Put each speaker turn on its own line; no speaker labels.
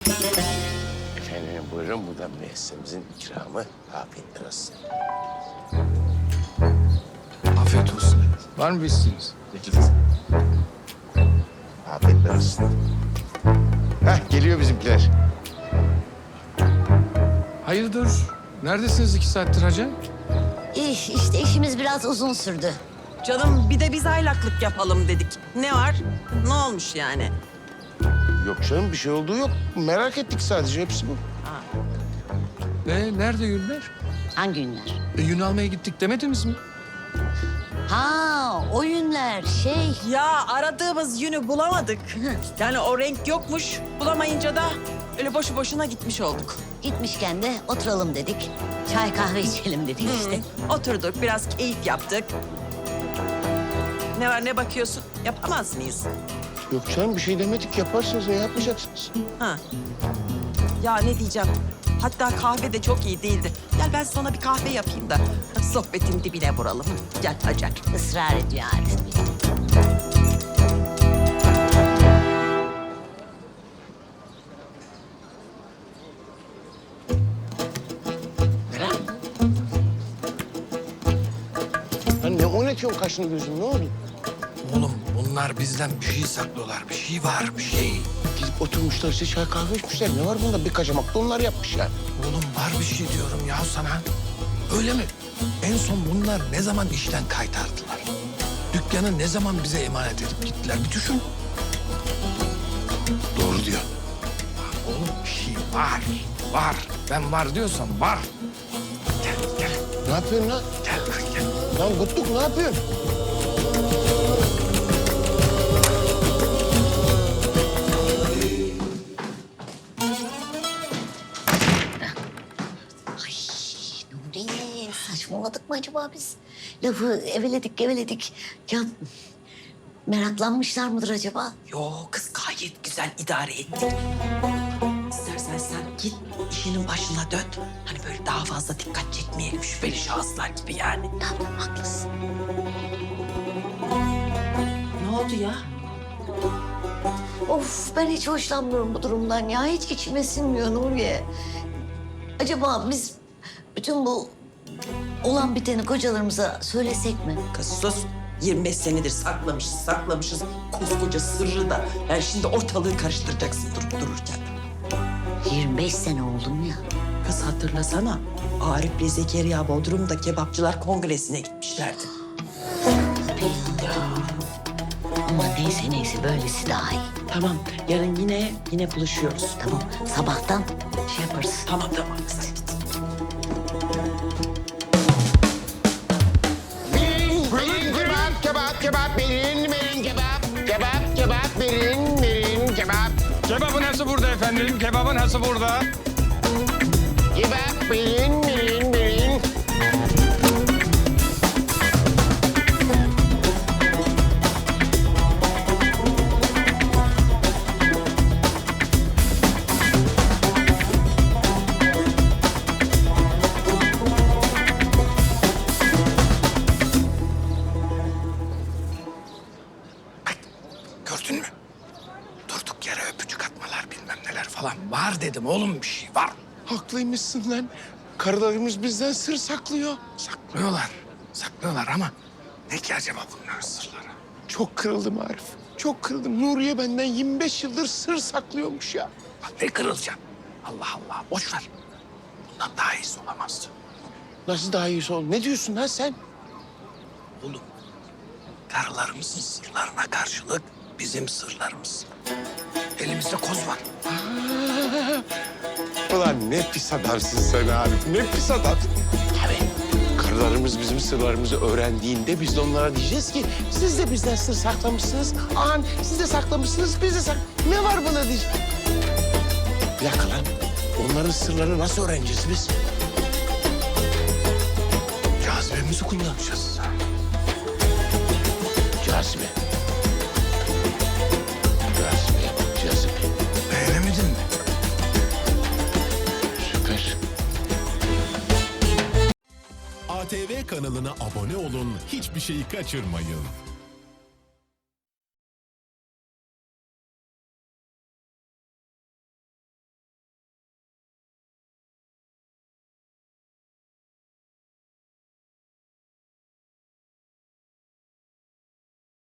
Efendim buyurun, bu da müessemizin ikramı. Afiyetler olsun.
Afiyet olsun. Var mı bir isteğiniz?
Afiyetler olsun. Heh, geliyor bizimkiler.
Hayırdır? Neredesiniz 2 saattir hacı?
İşte işimiz biraz uzun sürdü.
Canım bir de biz aylaklık yapalım dedik. Ne var? Ne olmuş yani?
Yok canım, bir şey olduğu yok. Merak ettik sadece, hepsi bu.
Nerede Yünler?
Hangi günler?
Yün almaya gittik demediniz mi?
Ha, o günler
Ya aradığımız yünü bulamadık. Yani o renk yokmuş. Bulamayınca da öyle boşu boşuna gitmiş olduk.
gitmişken de oturalım dedik. Çay kahve içelim dedik işte.
Oturduk, biraz keyif yaptık. Ne var, ne bakıyorsun? Yapamaz mıyız?
Yok canım, bir şey demedik. Yaparsınız, ne yapmayacaksınız?
Ha. Ya ne diyeceğim? Hatta kahve de çok iyi değildi. Gel ben sana bir kahve yapayım da sohbetin dibine vuralım. Gel Hacer.
Israr ediyor Arif.
Lan ne oynatıyorsun kaşını gözünü, ne oldu?
Oğlum bunlar bizden bir şey saklıyorlar. Bir şey var, bir şey.
Gidip oturmuşlar işte, çay kahve içmişler. Ne var bunda? Bir kaçamak da onlar yapmış yani.
Oğlum var bir şey diyorum ya sana. Öyle mi? En son bunlar ne zaman işten kaytardılar? Dükkanı ne zaman bize emanet edip gittiler? Bir düşün.
Doğru diyor.
Oğlum bir şey var. Var. Ben var diyorsam var. Gel, gel.
Ne yapıyorsun lan?
Gel, gel.
Lan Gutluk, ne yapıyorsun?
Ay Nuri, saçmaladık mı acaba biz? Lafı eveledik geveledik. Ya meraklanmışlar mıdır acaba?
Yo kız gayet güzel idare ettik. İstersen sen git işinin başına dön. Hani böyle daha fazla dikkat çekmeyelim şüpheli şahıslar gibi yani.
Tamam, haklısın.
Ne oldu ya?
Of, ben hiç hoşlanmıyorum bu durumdan ya. Hiç içime sinmiyor Nuriye. Acaba biz bütün bu olan biteni kocalarımıza söylesek mi?
Kız sus. 25 senedir saklamışız koskoca sırrı da. Yani şimdi ortalığı karıştıracaksın durup dururken.
25 sene oldum ya.
Kız hatırlasana. Arif ve Zekeriya Bodrum'da kebapçılar kongresine gitmişlerdi.
Ya. Ama neyse böylesi daha iyi.
Tamam yarın yine buluşuyoruz.
Tamam, sabahtan şey yaparız.
Tamam kız hadi git.
Kebap, verin kebap. Kebap, verin kebap.
Kebabın hası burada efendim. Kebabın hası burada.
Kebap, verin.
Gördün mü? Durduk yere öpücük atmalar bilmem neler falan. Var dedim oğlum, bir şey var.
Haklıymışsın lan. Karılarımız bizden sır saklıyor.
Saklıyorlar ama ne ki acaba bunların sırları?
Çok kırıldım Arif. Çok kırıldım. Nuriye benden 25 yıldır sır saklıyormuş ya.
Lan ne kırılacaksın? Allah Allah, boş ver. Bundan daha iyisi olamazdı.
Nasıl daha iyisi oldu? Ne diyorsun lan sen?
Oğlum, karılarımızın sırlarına karşılık bizim sırlarımız. Elimizde koz var.
Ulan ne pis adamsın sen Arif. Ne pis adam. Tabii. Karılarımız bizim sırlarımızı öğrendiğinde biz de onlara diyeceğiz ki siz de bizden sır saklamışsınız. An siz de saklamışsınız, biz de Ne var buna diyeceğiz. Bir dakika lan. Onların sırlarını nasıl öğreneceğiz biz?
Cazibemizi kullanacağız.
Cazibe. Cazibe.
Beğenemedin mi?
Süper.
ATV kanalına abone olun, hiçbir şeyi kaçırmayın.